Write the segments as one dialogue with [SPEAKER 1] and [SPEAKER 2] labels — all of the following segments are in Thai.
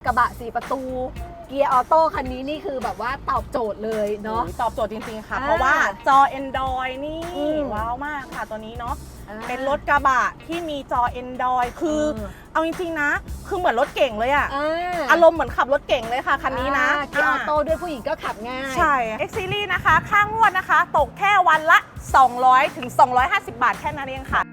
[SPEAKER 1] ระบะ4ประตูเกียร์ออโต้คันนี้นี่คือแบบว่าตอบโจทย์เลยเนาะ
[SPEAKER 2] ตอบโจทย์จริงๆค่ะ เพราะว่าจอ Android นี่ว้าวมากค่ะตัวนี้เนาะเป็นรถกระบะที่มีจอ Android คือเอาจริงๆนะคือเหมือนรถเก่งเลยอะอารมณ์เหมือนขับรถเก่งเลยค่ะคันนี้นะ
[SPEAKER 1] เกียร์ออโต้ด้วยผู้หญิงก็ขับง่าย
[SPEAKER 2] ใช่ X Series นะคะค่างวดนะคะตกแค่วันละ200ถึง250 บาทแค่นั้นเองค่ะ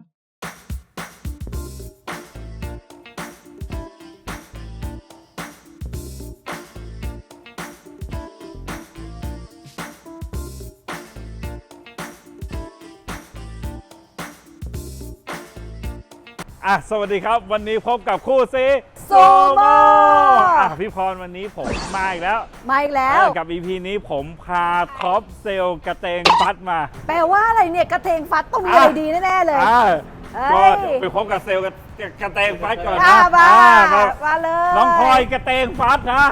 [SPEAKER 3] สวัสดีครับวันนี้พบกับคู่ซี
[SPEAKER 1] โซโม
[SPEAKER 3] พี่พรวันนี้ผมมาอีกแล้วกับ EP นี้ผมพาท็อปเซลกระเตงฟัดมา
[SPEAKER 1] แปลว่าอะไรเนี่ยกระเทงฟัดต้องมีอะไรดีแน่ๆเลย
[SPEAKER 3] ก็ไปพบกับเซลกระเตงฟัดก่อนนะ
[SPEAKER 1] มาเลย
[SPEAKER 3] น้องพลอยกระเตงฟัดนะ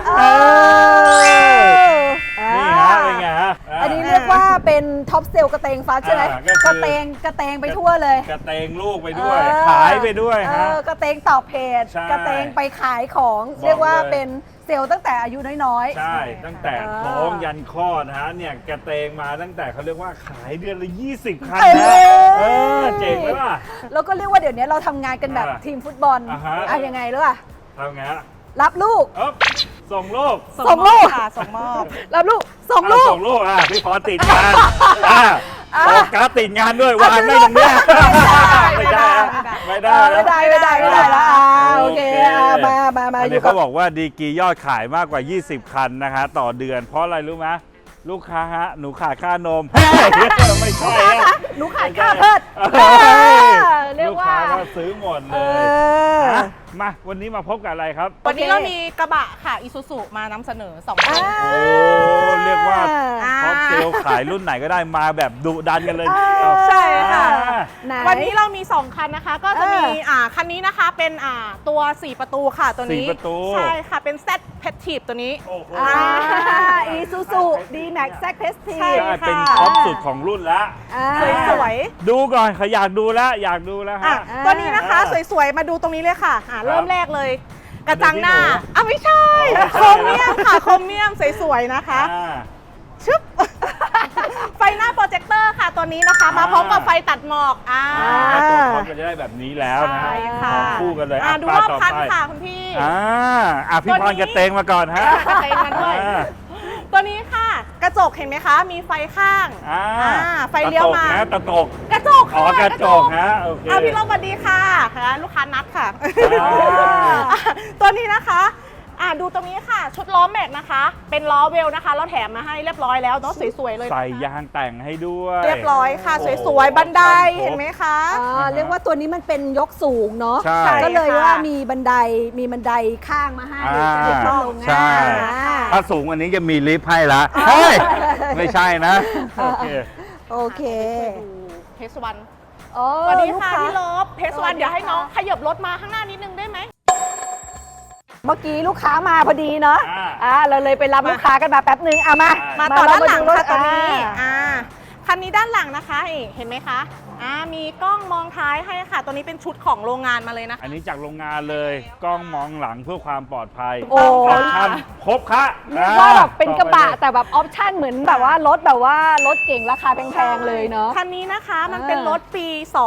[SPEAKER 3] นี่ฮะเป็นไงฮะ
[SPEAKER 1] อันนี้เรียกว่าเป็นท็อปเซลกระเตงฟัดใช่ไหมกระเตงไปทั่วเลย
[SPEAKER 3] กระเตงลูกไปด้วยขายไปด้วยฮะ
[SPEAKER 1] กระเตงตอบเพจกระเตงไปขายของเรียกว่าเป็นเซลตั้งแต่อายุน้อย
[SPEAKER 3] ๆใช่ตั้งแต่ท้องยันคลอดนะฮะเนี่ยกระเตงมาตั้งแต่เขาเรียกว่าขายเดือนละ20 คันนะเจ๋งไหมล่ะ
[SPEAKER 1] แล้วก็เรียกว่าเดี๋ยวนี้เราทำงานกันแบบทีมฟุตบอลยังไงรู้ป่ะ
[SPEAKER 3] ทำไง
[SPEAKER 1] รับลูก
[SPEAKER 3] ส่งลูก
[SPEAKER 2] ค่ะส่งมอบ
[SPEAKER 1] รับลูกส่งลูก
[SPEAKER 3] พี่พรติดงานโฟกัสติดงานด้วยวางไม่ตรงนี้ไม่ได้
[SPEAKER 1] แล้วโอเคมา
[SPEAKER 3] อันนี้เขาบอกว่าดีกียอดขายมากกว่า20 คันนะคะต่อเดือนเพราะอะไรรู้ไหมลูกค้าฮะหนูขาดค่านมไม่ใช่
[SPEAKER 1] หนูขาดค่าเพิด
[SPEAKER 3] ลูกค้าก็ซื้อหมดเลยมาวันนี้มาพบกับอะไรครับ
[SPEAKER 2] วันนี้เรามีกระบะค่ะอิซูซุมานำเสนอ2 คัน
[SPEAKER 3] เรียกว่าท็อปเซลขายรุ่นไหนก็ได้มาแบบดุดันกันเลย
[SPEAKER 2] ใช่ค่ะวันนี้เรามี 2 คันนะคะก็จะมีคันนี้นะคะเป็นตัว4ประตูค่ะตัวนี้ใช่ค่ะเป็น Z Active ตัวนี้
[SPEAKER 1] อิซูซุD-Max Z Active
[SPEAKER 3] ใช่เป็นท็อปสุดของรุ่นแล้ว
[SPEAKER 2] สวย
[SPEAKER 3] ดูก่อนเขาอยากดูแล้วฮะ
[SPEAKER 2] ตัวนี้นะคะสวยๆมาดูตรงนี้เลยค่ะเริ่มแรกเลยกระจังหน้าไม่ใช่โครเมียมค่ะโครเมียมสวยๆนะคะชึบไฟหน้าโปรเจคเตอร์ค่ะตัวนี้นะคะมาพร้อมกับไฟตัดหมอก
[SPEAKER 3] ตัวท็อปก็จะได้แบบนี้แล้วนะคู่กันเลย
[SPEAKER 2] ดูรอบคันค่ะคุณพี่
[SPEAKER 3] พี่พรกระเตงมาก่อนฮะ
[SPEAKER 2] กระเตงมาด้วยตัวนี้ค่ะกระจกเห็นไหมคะมีไฟข้างไฟเลี้ยวมาก
[SPEAKER 3] ระจก
[SPEAKER 2] กระจก
[SPEAKER 3] ฮะโอเค
[SPEAKER 2] พี่ลงสวัสดีค่ะลูกค้านัดค่ะตัวนี้นะคะดูตรงนี้ค่ะชุดล้อแม็กนะคะเป็นล้อเวลนะคะเราแถมมาให้เรียบร้อยแล้วเนาะสวยๆเลย
[SPEAKER 3] ใส่ยางแต่งให้ด้วย
[SPEAKER 2] เรียบร้อยค่ะสวยๆบันไดเห็นไหมคะ
[SPEAKER 1] เรียกว่าตัวนี้มันเป็นยกสูงเนาะก็เลยว่ามีบันไดข้างมาให้จะได้ลงง่าย
[SPEAKER 3] ถ้าสูงอันนี้จะมีลิฟต์ให้ละไม่ใช่นะ
[SPEAKER 1] โอเค
[SPEAKER 2] เพสวันสวัสดีค่ะพี่ลบเพสวันเดี๋ยวให้น้องขยับรถมาข้างหน้านิดนึงได้ไหม
[SPEAKER 1] เมื่อกี้ลูกค้ามาพอดีเนาะเราเลยไปรับลูกค้ากันมาแป๊บนึง
[SPEAKER 2] มาต่อด้านหลังค่ะตัวนี้คันนี้ด้านหลังนะคะเห็นไหมคะมีกล้องมองท้ายให้ค่ะตัวนี้เป็นชุดของโรงงานมาเลยนะคะ
[SPEAKER 3] อันนี้จากโรงงานเลยกล้องมองหลังเพื่อความปลอดภัย
[SPEAKER 1] อ
[SPEAKER 3] อปชั่นครบค่ะ
[SPEAKER 1] เรียกว่าแบบเป็นกระบะแต่แบบออปชั่นเหมือนแบบว่ารถเก่งราคาแพงๆเลยเนาะ
[SPEAKER 2] คันนี้นะคะมันเป็นรถปี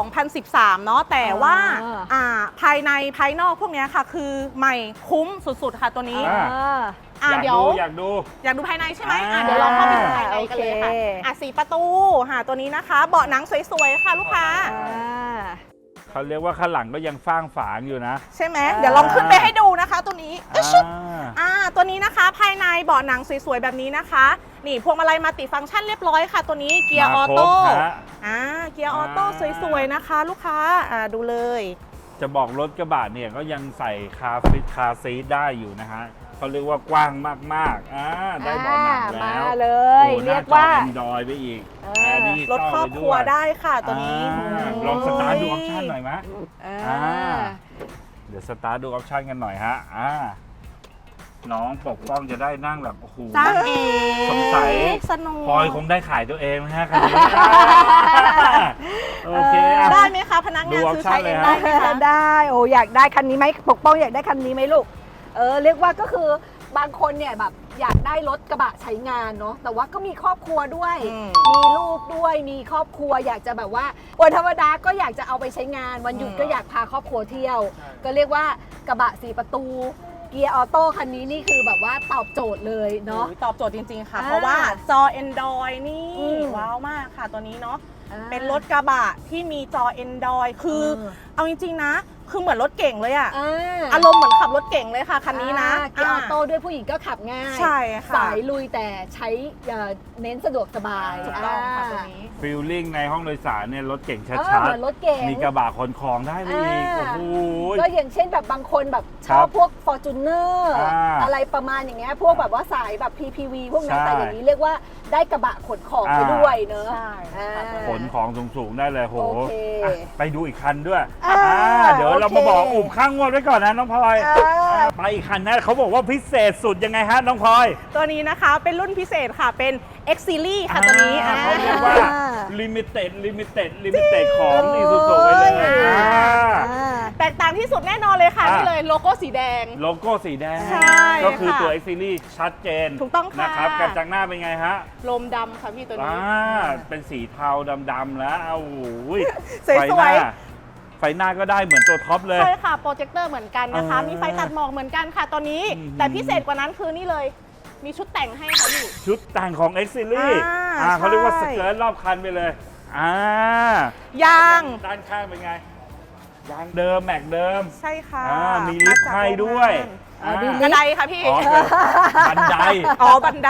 [SPEAKER 2] 2013 เนาะแต่ว่าภายในภายนอกพวกนี้ค่ะคือใหม่คุ้มสุดๆค่ะตัวนี้
[SPEAKER 3] อยาก
[SPEAKER 2] ดูภายในใช่ไหมเดี๋ยวลองเข้าไปดูภายในกันเลยค่ะ4 ประตูตัวนี้นะคะเบาะหนังสวยๆค่ะลูกค้า
[SPEAKER 3] เขาเรียกว่าข้างหลังก็ยังฟ้างฝางอยู่นะ
[SPEAKER 2] ใช่ไหมเดี๋ยวลองขึ้นไปให้ดูนะคะตัวนี้ตัวนี้นะคะภายในเบาะหนังสวยๆแบบนี้นะคะนี่พวงมาลัยมัลติฟังก์ชันเรียบร้อยค่ะตัวนี้เกียร์ออโต้เกียร์ออโต้สวยๆนะคะลูกค้าดูเลย
[SPEAKER 3] จะบอกรถกระบะเนี่ยก็ยังใส่คาซีทได้อยู่นะฮะเขาเรียกว่ากว้างมากๆได้เบาะหนังแล้ว
[SPEAKER 1] มาเลยเรียกว่า
[SPEAKER 3] ดอยไปอีก
[SPEAKER 2] รถครอบครัวได้ค่ะตัวนี้
[SPEAKER 3] ลองสตาร์ทดูออปชั่นหน่อยไหมเดี๋ยวสตาร์ทดูออปชั่นกันหน่อยฮะน้องปกป้องจะได้นั่งแบบโอ้โหสงสัยพลอยคงได้ขายตัวเองนะฮะคันนี้โอเค
[SPEAKER 2] ได้ไหมคะพนักงานซื้อใช้เองได้ไหมคะ
[SPEAKER 1] ได้อยากได้คันนี้ไหมปกป้องอยากได้คันนี้ไหมลูกเรียกว่าก็คือบางคนเนี่ยแบบอยากได้รถกระบะใช้งานเนาะแต่ว่าก็มีครอบครัวด้วย มีลูกด้วยมีครอบครัวอยากจะแบบว่าวันธรรมดาก็อยากจะเอาไปใช้งานวันหยุดก็อยากพาครอบครัวเที่ยว ก็เรียกว่ากระบะ4ประตูเกียร์ออโต้คันนี้นี่คือแบบว่าตอบโจทย์เลยเนาะ
[SPEAKER 2] ตอบโจทย์จริงๆค่ะ เพราะว่าจอ Android นี่ว้าวมากค่ะตัวนี้เนาะเป็นรถกระบะที่มีจอ Android คือเอาจริงๆนะคือเหมือนรถเก่งเลยอะอารมณ์เหมือนขับรถเก่งเลยค่ะคันนี้นะ
[SPEAKER 1] เกียร์ออโต้ด้วยผู้หญิงก็ขับง่าย
[SPEAKER 2] ใช่ค่ะ
[SPEAKER 1] สายลุยแต่ใช้เน้นสะดวกสบาย
[SPEAKER 2] ถูกต้องค่ะตัวนี้
[SPEAKER 3] ฟีลลิ่งในห้องโดยสารเนี่ยรถเก่งชัด
[SPEAKER 1] เหมือนรถเก๋ง
[SPEAKER 3] ๆมีกระบะขนของได้ไปอีกโอ้โห
[SPEAKER 1] ก็อย่างเช่นแบบบางคนแบบชอบพวก Fortuner อะไรประมาณอย่างเงี้ยพวกแบบว่าสายแบบ PPV พวกนั้นแต่อย่างนี้เรียกว่าได้กระบะขนของไปด้วยเนอะ
[SPEAKER 2] ใช่ค่ะ
[SPEAKER 3] ขนของสูงๆได้เลยโห
[SPEAKER 1] โอเค
[SPEAKER 3] ไปดูอีกคันด้วย เดี๋ยว
[SPEAKER 1] โอเค
[SPEAKER 3] เรามาบอกอุบข้างงวดไว้ก่อนนะน้องพลอยไปอีกคันนะเขาบอกว่าพิเศษสุดยังไงฮะน้องพลอย
[SPEAKER 2] ตัวนี้นะคะเป็นรุ่นพิเศษค่ะเป็น X Series ค่ะตัวนี้
[SPEAKER 3] เขาเรียกว่า limited ของอีซูซูไปเลย
[SPEAKER 2] แตกต่างที่สุดแน่นอนเลยค่ะนี่เลยโลโก้สีแดง
[SPEAKER 3] โลโก้สีแดง
[SPEAKER 2] ใช่
[SPEAKER 3] ก็คือตัว
[SPEAKER 2] ค่ะ
[SPEAKER 3] X Series ชัดเจน
[SPEAKER 2] ถูกต้องค่ะ
[SPEAKER 3] นะครับกระจังหน้าเป็นไงฮะ
[SPEAKER 2] ลมดำค่ะพี่ตัวนี้
[SPEAKER 3] เป็นสีเทาดำๆแล้วโอ้โห
[SPEAKER 2] สวยๆ
[SPEAKER 3] ไฟหน้าก็ได้เหมือนตัวท็อปเลย
[SPEAKER 2] ใช่ค่ะ โปรเจคเตอร์เหมือนกันนะคะ มีไฟตัดหมอกเหมือนกันค่ะตัวนี้ แต่พิเศษกว่านั้นคือนี่เลย มีชุดแต่งให้ค่ะพี่
[SPEAKER 3] ชุดแต่งของ X Series เขาเรียกว่าส
[SPEAKER 2] ใช่
[SPEAKER 3] เกิร์ตรอบคันไปเลย
[SPEAKER 2] ยาง
[SPEAKER 3] ด้านข้างเป็นไง ยางเดิมแม็กเดิม
[SPEAKER 2] ใช่ค่ะ
[SPEAKER 3] มีลิฟต์ให้ด้วย
[SPEAKER 2] กระไดค่ะพี่
[SPEAKER 3] บันได
[SPEAKER 2] อ๋อบันได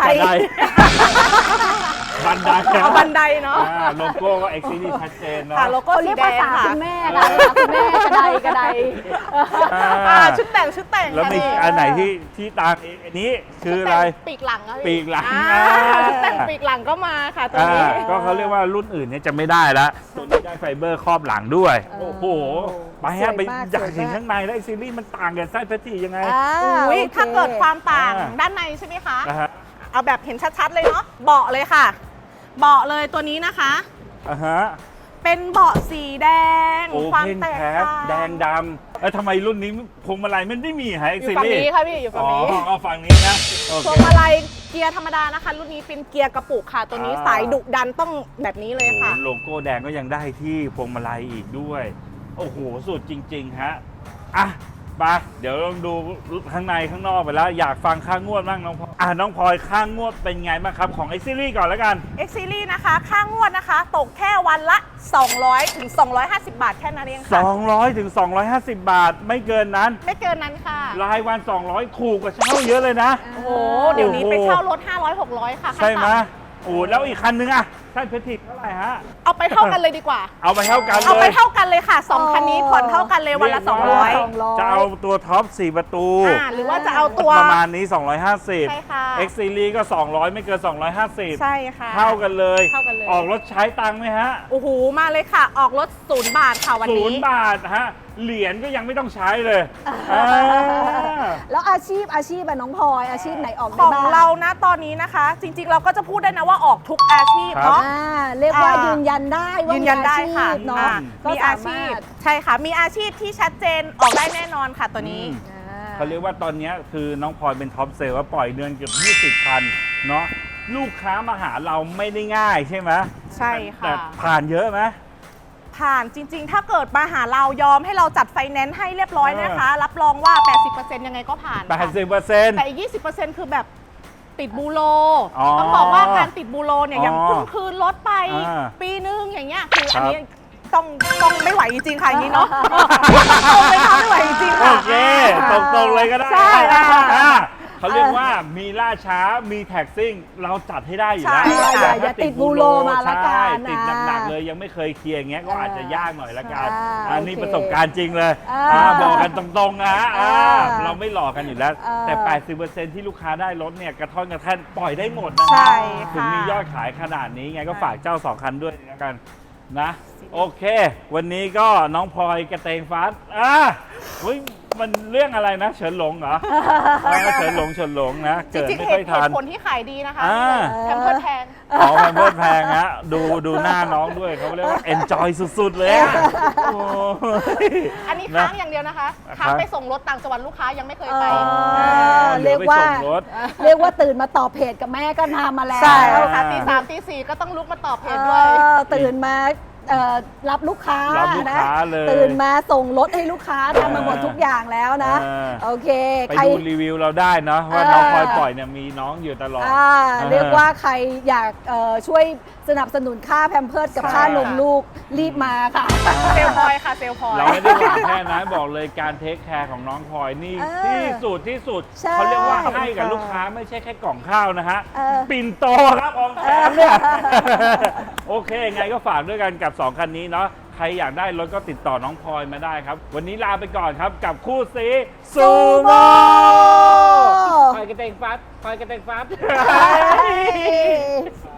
[SPEAKER 3] บันได
[SPEAKER 2] เอาบันไดเนาะ
[SPEAKER 3] โลโก้ก็ X Series ชัดเจนเนาะ
[SPEAKER 2] ค่ะโลโก้
[SPEAKER 1] เขา
[SPEAKER 2] สี
[SPEAKER 1] เรียก
[SPEAKER 2] แด
[SPEAKER 1] ภาง ษา
[SPEAKER 2] ค่ะ
[SPEAKER 1] คุณแม่กันคุณแม่กระไดกระได
[SPEAKER 2] ชุดแต่ง
[SPEAKER 3] แล้วมี
[SPEAKER 2] ค่ะ
[SPEAKER 3] อันไหนที่ตามอันนี้คืออะไร
[SPEAKER 2] ปีกหลังอะพี่
[SPEAKER 3] ปีกหลัง
[SPEAKER 2] ชุดแต่งปีกหลังก็มาค่ะตัวนี้
[SPEAKER 3] ก็เขาเรียกว่ารุ่นอื่นเนี่ยจะไม่ได้แล้วตัวนี้ได้ไฟเบอร์ครอบหลังด้วย โอ้โห ไปฮะไปอยากเห็นข้างในแล้วไอซีรีส์มันต่างกับไส้เพชรยังไง
[SPEAKER 2] อุ้ยถ้าเกิดความต่างด้านในใช่ไหมคะ
[SPEAKER 3] นะฮะ
[SPEAKER 2] เอาแบบเห็นชัดๆเลยเนาะ เบาะเลยค่ะ เบาะเลยตัวนี้นะคะ เป็นเบาะสีแดง
[SPEAKER 3] โอ
[SPEAKER 2] ความ
[SPEAKER 3] เพน
[SPEAKER 2] แตก
[SPEAKER 3] แคส
[SPEAKER 2] ต่าง
[SPEAKER 3] แดงดำทำไมรุ่นนี้พวงมาลัยมันไม่มีฮะ
[SPEAKER 2] อ
[SPEAKER 3] X
[SPEAKER 2] ยู่ฝั่ง
[SPEAKER 3] Series
[SPEAKER 2] นี้ค่ะพี่อยู่ฝั่งนี้
[SPEAKER 3] เอาฝั่งนี้นะโอ
[SPEAKER 2] พวง
[SPEAKER 3] เค
[SPEAKER 2] มาลัยเกียร์ธรรมดานะคะ รุ่นนี้เป็นเกียร์กระปุกค่ะ ตัวนี้สายดุดันต้องแบบนี้เลยค่ะ
[SPEAKER 3] โลโก้แดงก็ยังได้ที่พวงมาลัยอีกด้วย โอ้โห สุดจริง ๆ ฮะ อ่ะไปเดี๋ยวลองดูข้างในข้างนอกไปแล้ว อยากฟังข้างงวดบ้างน้องพลอยน้องพลอยข้างงวดเป็นไงบ้างครับของ X Series ก่อนแล้วกัน
[SPEAKER 2] X Series นะคะ ค่างวดนะคะ ตกแค่วันละ 200 ถึง 250 บาทแค่นั้นเองค่ะ
[SPEAKER 3] 200 ถึง 250 บาทไม่เกินนั้น
[SPEAKER 2] ไม่เกินนั้นค่ะ
[SPEAKER 3] รายวัน 200 ถูกกว่าเช่าเยอะเลยนะ
[SPEAKER 2] โอ้โห เดี๋ยวนี้ไปเช่ารถ 500 600 ค่ะขั้น
[SPEAKER 3] ใช่ไหม
[SPEAKER 2] ต่
[SPEAKER 3] โอ้แล้วอีกคันนึงอะท่านเพชรเท่าไหร่ฮะ
[SPEAKER 2] ำเอาไปเท่ากันเลยดีกว่า
[SPEAKER 3] เอาไปเท่ากันเลย
[SPEAKER 2] เอาไปเท่ากันเลยค่ะ 2 คันนี้ผ่อนเท่ากันเลยวันละ
[SPEAKER 3] เรียกว่า
[SPEAKER 2] 200
[SPEAKER 3] จะเอาตัวท็อป 4 ประตู
[SPEAKER 2] หรือว่าจะเอาตัว
[SPEAKER 3] ประมาณนี้
[SPEAKER 2] ใช่ค่ะ
[SPEAKER 3] 250 X Series ก็ 200 ไม่เกิน 250
[SPEAKER 2] ใช่ค่ะ
[SPEAKER 3] เท่ากันเลย
[SPEAKER 2] เท่ากันเลย
[SPEAKER 3] ออกรถใช้ตังค์ไหมฮะ
[SPEAKER 2] โอ้โห มาเลยค่ะ ออกรถ0 บาทค่ะวันนี้
[SPEAKER 3] 0 บาทฮะ เหรียญก็ยังไม่ต้องใช้เลย
[SPEAKER 1] แล้วอาชีพอะน้องพลอยอาชีพไหนออก
[SPEAKER 2] ข
[SPEAKER 1] ได้
[SPEAKER 2] อง
[SPEAKER 1] บ้าง
[SPEAKER 2] เรานะตอนนี้นะคะ จริงๆ เราก็จะพูดได้นะว่าออกทุกอาชีพเนาะ
[SPEAKER 1] เรียกว่ายืนยันได้ว่า
[SPEAKER 2] ยื
[SPEAKER 1] ยื
[SPEAKER 2] นยันได้ค่ะ
[SPEAKER 1] เนาะก็
[SPEAKER 2] มีอาชีพ ใช่ค่ะ มีอาชีพที่ชัดเจนออกได้แน่นอนค่ะตัวนี้
[SPEAKER 3] เขาเรียกว่าตอนนี้คือน้องพลอยเป็นท็อปเซลล์ว่าปล่อยเดือนเกือบ20 คันเนาะลูกค้ามาหาเราไม่ได้ง่ายใช่ไหม
[SPEAKER 2] ใช่ค่ะ
[SPEAKER 3] แต่ผ่านเยอะไหม
[SPEAKER 2] ผ่านจริงๆ ถ้าเกิดมาหาเรายอมให้เราจัดไฟแนนซ์ให้เรียบร้อยนะคะ รับรองว่า 80% ยังไงก็ผ่านค่ะ
[SPEAKER 3] 80%
[SPEAKER 2] แต่อีก 20% คือแบบติดบูโร
[SPEAKER 3] อ๋อ
[SPEAKER 2] ต้องบอกว่าการติดบูโรเนี่ย
[SPEAKER 3] อ๋อ
[SPEAKER 2] ยังเพิ่งคืนรถไป
[SPEAKER 3] อ่า
[SPEAKER 2] ปีนึงอย่างเงี้ยคือ
[SPEAKER 3] ครั
[SPEAKER 2] อัน
[SPEAKER 3] บ
[SPEAKER 2] นี้ต้องไม่ไหวจริงๆค่ะอย่างนี้เนาะต้องไม่ทำไม่ไหวจริงๆ
[SPEAKER 3] โอ
[SPEAKER 2] ค่ะ
[SPEAKER 3] เคตรงๆเลยก็ได้
[SPEAKER 2] ใช่
[SPEAKER 3] เขาเรียกว่ามีล่าช้ามีแท็กซิ่งเราจัดให้ได้อยู่แล้ว
[SPEAKER 2] ใช่
[SPEAKER 3] แต่
[SPEAKER 1] อย่าติดบูโรมาละกัน
[SPEAKER 3] ใช่ติดหนักๆเลยยังไม่เคยเคลียร์อย่างเงี้ยก็อาจจะยากหน่อยละกัน
[SPEAKER 1] ใช่
[SPEAKER 3] อันนี้
[SPEAKER 1] โอเค
[SPEAKER 3] ประสบการณ์จริงเลย บอกกันตรงๆนะเราไม่หลอกกันอยู่แล้ว แต่ 80% ที่ลูกค้าได้รถเนี่ยกระท่อนกระแท่นปล่อยได้หมดนะ
[SPEAKER 2] ใช่
[SPEAKER 3] ถึง
[SPEAKER 2] ค่ะ
[SPEAKER 3] มียอดขายขนาดนี้ไงก็ฝากเจ้า2 คันด้วยแล้วกันนะโอเค วันนี้ก็น้องพลอยกระเตงฟ้าเฮ้ยมันเรื่องอะไรนะเฉินหลงเหรอเฉินหลงนะ
[SPEAKER 2] จ
[SPEAKER 3] เกิด
[SPEAKER 2] ริงๆ
[SPEAKER 3] ไม่
[SPEAKER 2] เห
[SPEAKER 3] ค่อย
[SPEAKER 2] ตุ
[SPEAKER 3] ทัน
[SPEAKER 2] ผลที่ขายดีนะคะ
[SPEAKER 3] อ่า
[SPEAKER 2] แพมเพิร์สแพง
[SPEAKER 3] ของแพมเพิร์สแพงฮะดูหน้าน้องด้วยเขาเรียกว่า enjoy สุดๆเลยอะโอ้ย
[SPEAKER 2] อันนี้ค้างอย่างเดียวนะคะ ค้างไปส่งรถต่างจังหวัดลูกค้ายังไม่เคยไป
[SPEAKER 1] เรียกว่า
[SPEAKER 3] หอไปส่งรถ
[SPEAKER 1] เรียกว่าตื่นมาตอบเพจกับแม่ก็ทำมาแล้ว
[SPEAKER 2] ใช่ค่ะตี 3 ตี 4ก็ต้องลุกมาตอบเพจด้วย
[SPEAKER 1] ตื่นมารับลูกค้า
[SPEAKER 3] รับลูก
[SPEAKER 1] นะ
[SPEAKER 3] ค้าเลย
[SPEAKER 1] ตื่นมาส่งรถให้ลูกค้าทำมาหมดทุกอย่างแล้วนะ โอเค
[SPEAKER 3] ไป
[SPEAKER 1] ใคร
[SPEAKER 3] ดูรีวิวเราได้เนาะว่าน้องพลอยปล่อยเนี่ยมีน้องอยู่ตลอด
[SPEAKER 1] เรียกว่าใครอยากช่วยสนับสนุนค่าแพมเพิร์สกับ
[SPEAKER 2] ใช่
[SPEAKER 1] ค่านมลูกรีบมาค่ะ
[SPEAKER 2] เซลลพลอยค่ะเซลลพลอย
[SPEAKER 3] เราไม่ได้หวังแค่นั้นบอกเลยการเทคแคร์ของน้องพลอยนี่ ที่สุด
[SPEAKER 1] ใช่
[SPEAKER 3] เขาเรียกว่าให้กับลูกค้าไม่ใช่แค่กล่องข้าวนะฮะ ปิ่นโตครับอองแถมเนี่ยโอเคไงก็ฝากด้วยกันกับ 2 คันนี้เนาะใครอยากได้รถก็ติดต่อน้องพลอยมาได้ครับ วันนี้ลาไปก่อนครับกับคู่ซีซูโม่พลอยกระเตงฟัดพลอยกระเตงฟัด